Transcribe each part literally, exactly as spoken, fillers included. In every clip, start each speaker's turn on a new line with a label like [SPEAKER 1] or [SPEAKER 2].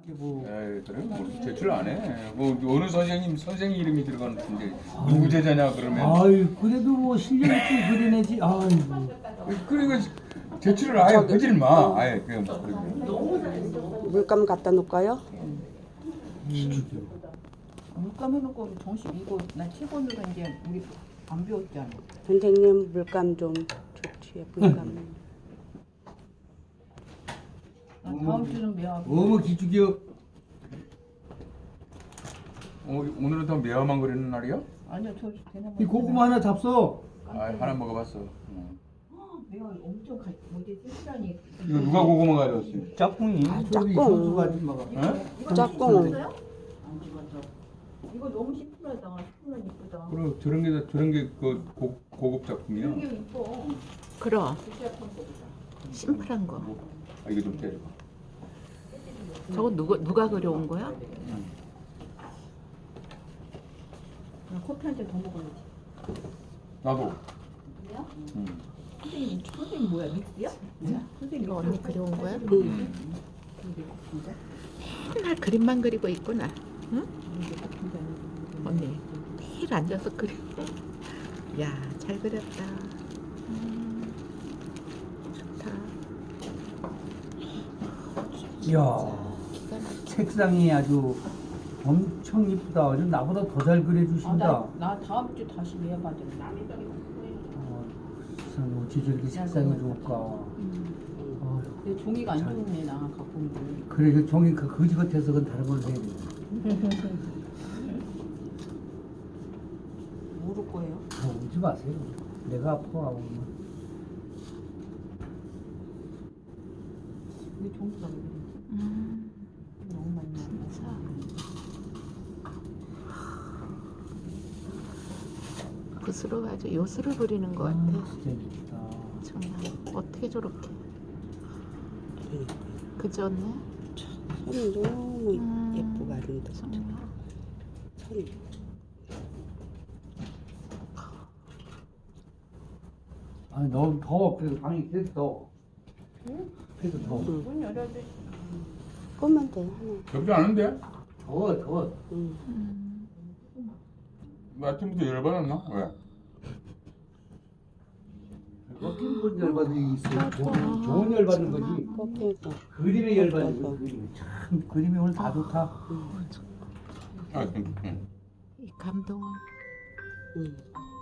[SPEAKER 1] 뭐
[SPEAKER 2] 에이, 그래 뭐 제출 안 해. 뭐 어느 선생님 선생 이름이 들어가는데 누구 제자냐 그러면.
[SPEAKER 1] 아유 그래도 뭐 실력 있게 그려내지. 아이고.
[SPEAKER 2] 그리고 제출을 아예 하질 마. 아예 그냥 그러게.
[SPEAKER 3] 물감 갖다 놓을까요?
[SPEAKER 4] 물감 해놓고 정식 이거 나 칠번으로 이제 우리 안 배웠잖아.
[SPEAKER 3] 선생님 물감 좀 좋지요. 물감.
[SPEAKER 4] 나 다음 주는 매화고.
[SPEAKER 1] 어머 기죽여.
[SPEAKER 2] 어, 오늘은 더 매화만 그리는 날이야?
[SPEAKER 4] 아니요 저 대나무.
[SPEAKER 1] 이 고구마 하나 잡숴.
[SPEAKER 2] 아 하나 먹어봤어. 어.
[SPEAKER 4] 매화 엄청 가 뭐지 칠순하니.
[SPEAKER 2] 이거 누가 고구마 가져왔어?
[SPEAKER 1] 짝꿍이.
[SPEAKER 3] 아,
[SPEAKER 1] 저기
[SPEAKER 3] 짝꿍.
[SPEAKER 1] 현수가 아줌마가.
[SPEAKER 2] 어?
[SPEAKER 3] 짝꿍.
[SPEAKER 4] 이거 너무 시원하다. 시원한 이쁘다.
[SPEAKER 2] 그럼 저런 게 저런 게그 고급 작품이야.
[SPEAKER 4] 이게 이뻐.
[SPEAKER 5] 그럼
[SPEAKER 4] 시작한 거보다.
[SPEAKER 5] 심플한 거.
[SPEAKER 2] 아 이거 좀 때려.
[SPEAKER 5] 저거 누가 누가 그려온 거야?
[SPEAKER 4] 나 커피 한 잔 더 먹어야지.
[SPEAKER 2] 나도.
[SPEAKER 4] 그래요?
[SPEAKER 2] 응.
[SPEAKER 4] 선생님 선생님 뭐야 믹스야? 뭐야? 선생님
[SPEAKER 5] 이거 언니 그려온 거야?
[SPEAKER 3] 응.
[SPEAKER 5] 맨날 그림만 그리고 있구나. 응? 언니 매일 앉아서 그려. 야, 잘 그렸다. 음, 좋다.
[SPEAKER 1] 이야
[SPEAKER 5] 기가 막혀.
[SPEAKER 1] 색상이 아주 엄청 이쁘다. 아주 나보다 더 잘 그려주신다.
[SPEAKER 4] 아나 나 다음 주 다시 매화 받을래.
[SPEAKER 1] 어, 세상에 어찌 저렇게 색상이 좋을까. 어,
[SPEAKER 4] 내 종이가 안
[SPEAKER 1] 잘-
[SPEAKER 4] 좋네 나 갖고 온 게.
[SPEAKER 1] 그래 그 종이 그 거지 같아서 그건 다른 걸로 해야 돼.
[SPEAKER 4] 모를 거예요.
[SPEAKER 1] 더 울지 마세요. 내가 아파하고.
[SPEAKER 4] 왜 종이가 왜 그래?
[SPEAKER 5] 음,
[SPEAKER 4] 너무 많이 나.
[SPEAKER 5] 진짜. 붓으로 가지고 요술을 부리는 것 같아.
[SPEAKER 1] 아, 진짜 이쁘다.
[SPEAKER 5] 정말 어떻게 저렇게. 그지 언니?
[SPEAKER 3] 손이 너무
[SPEAKER 5] 음.
[SPEAKER 3] 예쁘고 아름답다.
[SPEAKER 5] 정말.
[SPEAKER 3] 손이.
[SPEAKER 1] 아니 너무 더워. 그래서 방이 계속 더워. 그래서 더워.
[SPEAKER 3] 응.
[SPEAKER 4] 문 열어야 돼.
[SPEAKER 3] 꼬면 돼 하나.
[SPEAKER 2] 덥지 않은데?
[SPEAKER 1] 더워 더워.
[SPEAKER 3] 응.
[SPEAKER 5] 음,
[SPEAKER 2] 뭐 아침부터 열받았나? 왜?
[SPEAKER 1] 꺾인 건 열받는 게 있어요. 좋은, 좋은 열받는 거지.
[SPEAKER 3] 꺾여서.
[SPEAKER 1] 그림에 열받는 거지. 그림이. 참 그림이 오늘 다 좋다.
[SPEAKER 2] 아, 응, 응.
[SPEAKER 5] 이 감동은
[SPEAKER 3] 응.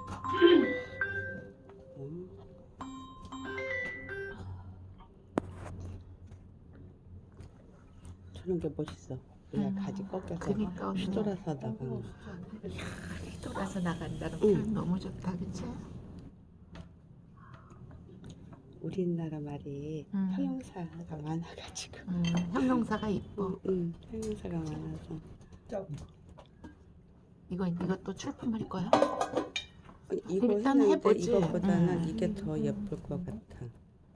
[SPEAKER 3] 응. 저런 게 멋있어. 그냥
[SPEAKER 5] 음.
[SPEAKER 3] 가지 꺾여서
[SPEAKER 5] 그니까 언니.
[SPEAKER 3] 휘돌아서 나가는.
[SPEAKER 5] 돌아서 나간다는
[SPEAKER 3] 응.
[SPEAKER 5] 표현 너무 좋다, 그치?
[SPEAKER 3] 우리나라 말이
[SPEAKER 5] 음.
[SPEAKER 3] 형용사가 많아가지고.
[SPEAKER 5] 음, 형용사가 이뻐.
[SPEAKER 3] 응, 형용사가 많아서.
[SPEAKER 5] 이거 이것도 출품할 거야?
[SPEAKER 3] 이거
[SPEAKER 5] 일단
[SPEAKER 3] 했는데
[SPEAKER 5] 해보지.
[SPEAKER 3] 이거보다는
[SPEAKER 5] 음.
[SPEAKER 3] 이게 더 예쁠 것 같아.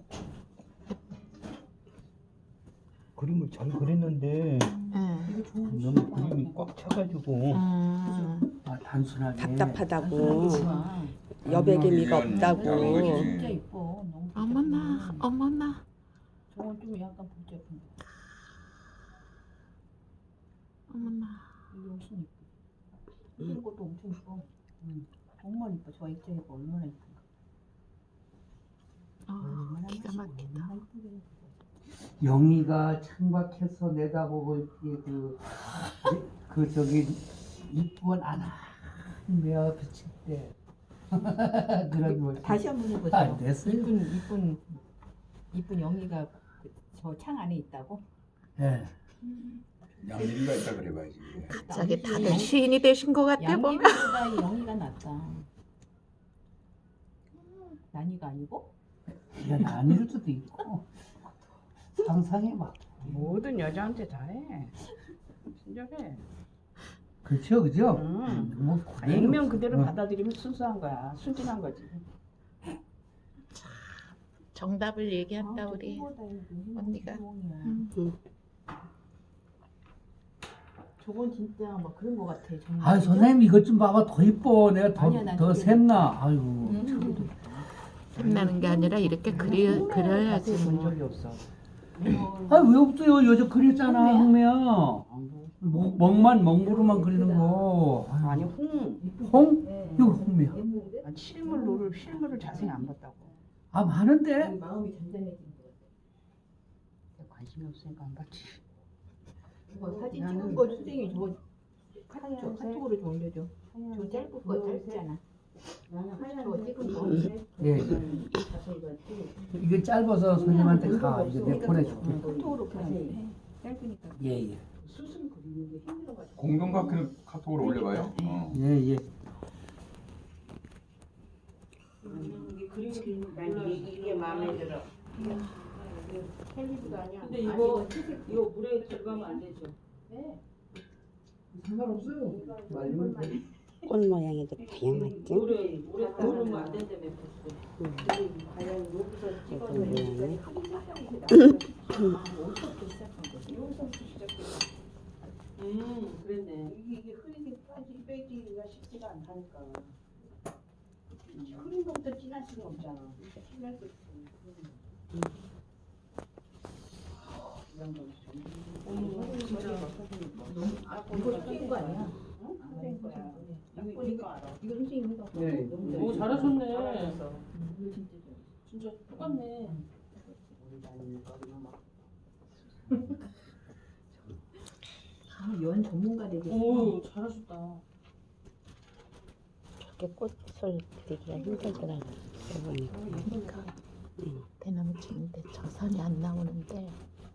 [SPEAKER 1] 그림을 잘 그렸는데
[SPEAKER 5] 응.
[SPEAKER 1] 너무 그림이 꽉 차가지고
[SPEAKER 5] 음,
[SPEAKER 1] 아 단순하게
[SPEAKER 3] 답답하다고.
[SPEAKER 4] 아,
[SPEAKER 3] 여백의미가
[SPEAKER 2] 이건
[SPEAKER 3] 없다고.
[SPEAKER 2] 작은 거지.
[SPEAKER 4] 진짜 이뻐. 너무
[SPEAKER 5] 어머나,
[SPEAKER 4] 복잡해.
[SPEAKER 5] 어머나.
[SPEAKER 4] 저건 좀 약간 복잡한데.
[SPEAKER 5] 어머나.
[SPEAKER 4] 이게 훨씬 이뻐. 이런 것도 엄청 이뻐. 응. 정말 이뻐. 저 액자가 얼마나 이쁜가.
[SPEAKER 5] 어,
[SPEAKER 4] 얼마나
[SPEAKER 5] 기가
[SPEAKER 4] 맛있고,
[SPEAKER 5] 막히다.
[SPEAKER 4] 얼마나 이쁘게.
[SPEAKER 1] 영희가 창밖에서 내다보고 있기에 그, 그 저기 이쁜 아나 매화 비칠 때 그런 거
[SPEAKER 4] 다시 한번 해보죠.
[SPEAKER 1] 안 됐어요?
[SPEAKER 4] 이쁜 이쁜 이쁜 영희가 저 창 안에 있다고?
[SPEAKER 1] 예.
[SPEAKER 2] 양미리가 있다 그래봐야지.
[SPEAKER 5] 갑자기 다들 시인이 되신 것 같아 보면.
[SPEAKER 4] 양희보다 이 영희가 낫다. 난이가 아니고?
[SPEAKER 1] 이건 아닐 수도 있고 상상해봐.
[SPEAKER 6] 모든 여자한테 잘해. 친절해.
[SPEAKER 1] 그렇죠, 그죠?
[SPEAKER 6] 응.
[SPEAKER 1] 뭐
[SPEAKER 6] 아, 액면 그대로
[SPEAKER 1] 어.
[SPEAKER 6] 받아들이면 순수한 거야. 순진한 거지.
[SPEAKER 5] 정답을 얘기한다
[SPEAKER 4] 아,
[SPEAKER 5] 우리.
[SPEAKER 4] 저거보다 이거
[SPEAKER 5] 언니가.
[SPEAKER 4] 구멍이야.
[SPEAKER 5] 음.
[SPEAKER 4] 저건 진짜 막 그런 거 같아. 정말.
[SPEAKER 1] 아 선생님 이것 좀 봐봐 더 이뻐. 내가 더
[SPEAKER 4] 아니야, 난
[SPEAKER 1] 더
[SPEAKER 4] 저게-
[SPEAKER 1] 샘나. 아이고
[SPEAKER 4] 음.
[SPEAKER 5] 샘나는 게 아니라 이렇게 그려 그려야지
[SPEAKER 6] 본
[SPEAKER 5] 뭐.
[SPEAKER 6] 적이 없어.
[SPEAKER 1] 아니 왜 없어요? 여자 그렸잖아 홍매야. 먹, 먹만 먹무로만 그리는 거.
[SPEAKER 6] 아니 홍.
[SPEAKER 1] 홍?
[SPEAKER 4] 네.
[SPEAKER 1] 이거 홍매야.
[SPEAKER 6] 아, 실물로를 실물을 자세히 안 봤다고.
[SPEAKER 1] 아 많은데?
[SPEAKER 4] 마음이 단단해진 것 같아.
[SPEAKER 6] 관심이 없으니까 안 봤지.
[SPEAKER 4] 저거 사진
[SPEAKER 6] 나는-
[SPEAKER 4] 찍은 거 선생님이 저거 카톡, 카톡으로 좀 올려줘. 저 짧은 거 짧잖아. 저거 찍은 거.
[SPEAKER 1] 예. 이게 짧아서 손님한테 가. 이제 내 보내줄게.
[SPEAKER 4] 카톡으로 그냥 짧으니까.
[SPEAKER 1] 예 예.
[SPEAKER 4] 수순 그리는 게 힘들어가지고.
[SPEAKER 2] 공동 카톡 카톡으로 올려봐요. 어.
[SPEAKER 1] 예 예.
[SPEAKER 6] 이게 그림 그리는 난 이게, 이게 마음에 들어.
[SPEAKER 4] 캘리브도 아니야.
[SPEAKER 6] 근데 이거 이거 물에 들어가면 안 되죠.
[SPEAKER 4] 네.
[SPEAKER 1] 상관없어요. 말리면 돼.
[SPEAKER 3] 꽃 모양이 좀 다양하지?
[SPEAKER 6] 물에 물에 들어가면 안 된다며 벌써.
[SPEAKER 4] 과연 여기서 찍어서
[SPEAKER 3] 꽃 모양이.
[SPEAKER 4] 어디서부터 시작한 거지? 여기서부터 시작했어.
[SPEAKER 6] 음 그랬네.
[SPEAKER 4] 이게 이게 흐리게 빠지 빼기가 쉽지가 않다니까. 흐린 것부터 진할 수가 없잖아. 진할 수 없어. 이런 거
[SPEAKER 6] 어머 진짜.
[SPEAKER 4] 아, 이거 선생님 거 아니야? 응? 선생님 거야. 이거 이거 알아. 이거 선생님 거.
[SPEAKER 1] 네.
[SPEAKER 6] 오 잘하셨네.
[SPEAKER 4] 이거 진짜 좋아.
[SPEAKER 6] 진짜 똑같네.
[SPEAKER 4] 아, 연 전문가 되겠어.
[SPEAKER 6] 오 잘하셨다.
[SPEAKER 3] 이렇게 꽃을 그리기가 힘들더라고요. 보니까.
[SPEAKER 5] 대나무 치는데 저선이 안 나오는데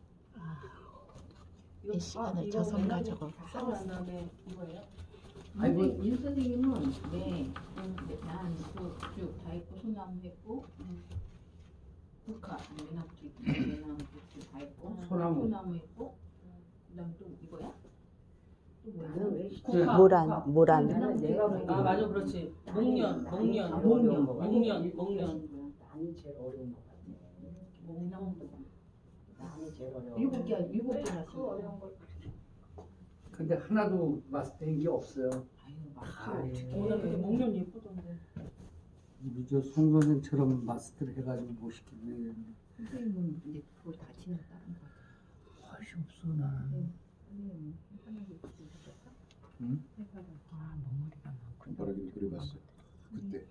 [SPEAKER 5] 몇 시간을 저선 가지고
[SPEAKER 6] 한 다음에 이거예요?
[SPEAKER 1] 아이고.
[SPEAKER 4] 선생님, 인 선생님은 네, 난쭉다 했고 소나무 했고 국화 외나무도 있고 외나무도 다 했고
[SPEAKER 1] 소나무.
[SPEAKER 4] 소나무 했고 그다음 또 이거야? 또 뭐야?
[SPEAKER 6] 국화.
[SPEAKER 3] 모란, 모란.
[SPEAKER 6] 아 맞아 그렇지. 목련 목련
[SPEAKER 4] 아, 목련.
[SPEAKER 6] 목련 목련.
[SPEAKER 7] 난이 제일 어려운 것 같아.
[SPEAKER 4] 목련.
[SPEAKER 7] 난이 제일 어려워.
[SPEAKER 4] 일곱 개 일곱 개 났어. 어려운 걸.
[SPEAKER 1] 근데 하나도 마스터한 게 없어요.
[SPEAKER 4] 아유
[SPEAKER 1] 아,
[SPEAKER 4] 막.
[SPEAKER 1] 예.
[SPEAKER 6] 오늘 근데 목련 예쁘던데.
[SPEAKER 1] 우리 저송 선생처럼 마스터를 해가지고 못 시키네.
[SPEAKER 4] 선생님은 이제 그걸 다 치는 다른 거.
[SPEAKER 1] 맛이 없어 나는.
[SPEAKER 4] 선생님은 편하게 그리셨어?
[SPEAKER 1] 응?
[SPEAKER 4] 아 머리가 많구나.
[SPEAKER 2] 손가락이 그려봤어요. 그때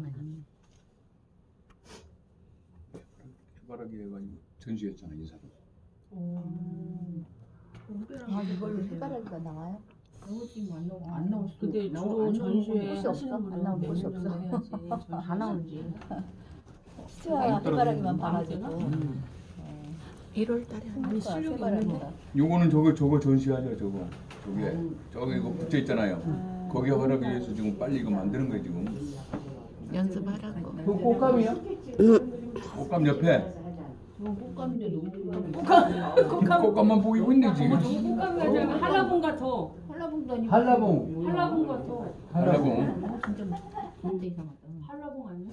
[SPEAKER 2] 해바라기 해가지고 전시했잖아 이 사람.
[SPEAKER 6] 오.
[SPEAKER 4] 아
[SPEAKER 5] 이걸로 해바라기가 나와요?
[SPEAKER 4] 지금 안 나오 안 나올 수도
[SPEAKER 6] 근데
[SPEAKER 4] 나오-
[SPEAKER 6] 주로
[SPEAKER 4] 안 나오는
[SPEAKER 6] 전시회
[SPEAKER 4] 곳이 없어.
[SPEAKER 6] 하시는
[SPEAKER 4] 안
[SPEAKER 6] 분은
[SPEAKER 4] 나올
[SPEAKER 6] 몇
[SPEAKER 4] 곳이
[SPEAKER 6] 년 정도
[SPEAKER 4] 없어.
[SPEAKER 6] 해야지.
[SPEAKER 4] 다 나오지.
[SPEAKER 5] 수아 해바라기만 봐가지고
[SPEAKER 1] 음.
[SPEAKER 5] 일월 달에 하는
[SPEAKER 6] 아니
[SPEAKER 5] 거야
[SPEAKER 6] 실력이
[SPEAKER 5] 해바라기가.
[SPEAKER 6] 있는데.
[SPEAKER 2] 요거는 저거 저거 전시하죠 저거. 저게 저기 이거 붙여 있잖아요. 거기 해바라기 위해서 지금 빨리 이거 만드는 거예요 지금.
[SPEAKER 5] 연습하라고.
[SPEAKER 1] 그 꽃감이요?
[SPEAKER 2] 꽃감 옆에
[SPEAKER 4] 저 꽃감인데 너무
[SPEAKER 6] 꽃감
[SPEAKER 2] 꽃감만 보이고 있네 지금.
[SPEAKER 6] 꽃감이 아니라 한라봉 같아.
[SPEAKER 4] 한라봉도 아니고
[SPEAKER 1] 한라봉.
[SPEAKER 6] 한라봉 같아.
[SPEAKER 2] 한라봉.
[SPEAKER 4] 아, 진짜 진짜 이상하다.
[SPEAKER 6] 한라봉 아니야?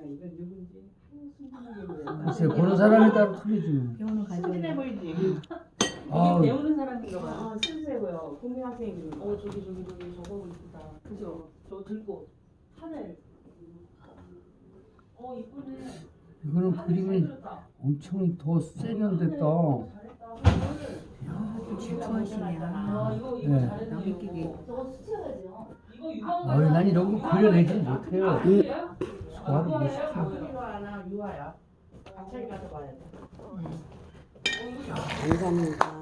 [SPEAKER 1] 글쎄 보는 사람에 따라 틀리지.
[SPEAKER 4] 병원을
[SPEAKER 6] 순진해
[SPEAKER 4] 가져야
[SPEAKER 6] 보이지?
[SPEAKER 1] 아,
[SPEAKER 6] 이게 배우는 사람인가 봐.
[SPEAKER 7] 아, 순수해 보여. 국민 학생이.
[SPEAKER 6] 어 저기 저기 저기 저거 이쁘다. 그죠? 저거 들고 하늘. 어 이쁘네.
[SPEAKER 1] 이거는 그림이 엄청 더 세련됐다.
[SPEAKER 6] 잘했다.
[SPEAKER 4] 또 질투하시네.
[SPEAKER 6] 아
[SPEAKER 4] 아,
[SPEAKER 6] 이거 이거
[SPEAKER 1] 네.
[SPEAKER 6] 잘했네.
[SPEAKER 4] 남의 끼게.
[SPEAKER 6] 저거 스쳐야죠. 이거 유황.
[SPEAKER 1] 아유, 난 이런 거 그려내지 못해요. 소화를 못 시켜.
[SPEAKER 7] 유아나 유아야. 같이 가서 봐야 돼.
[SPEAKER 3] 감사합니다.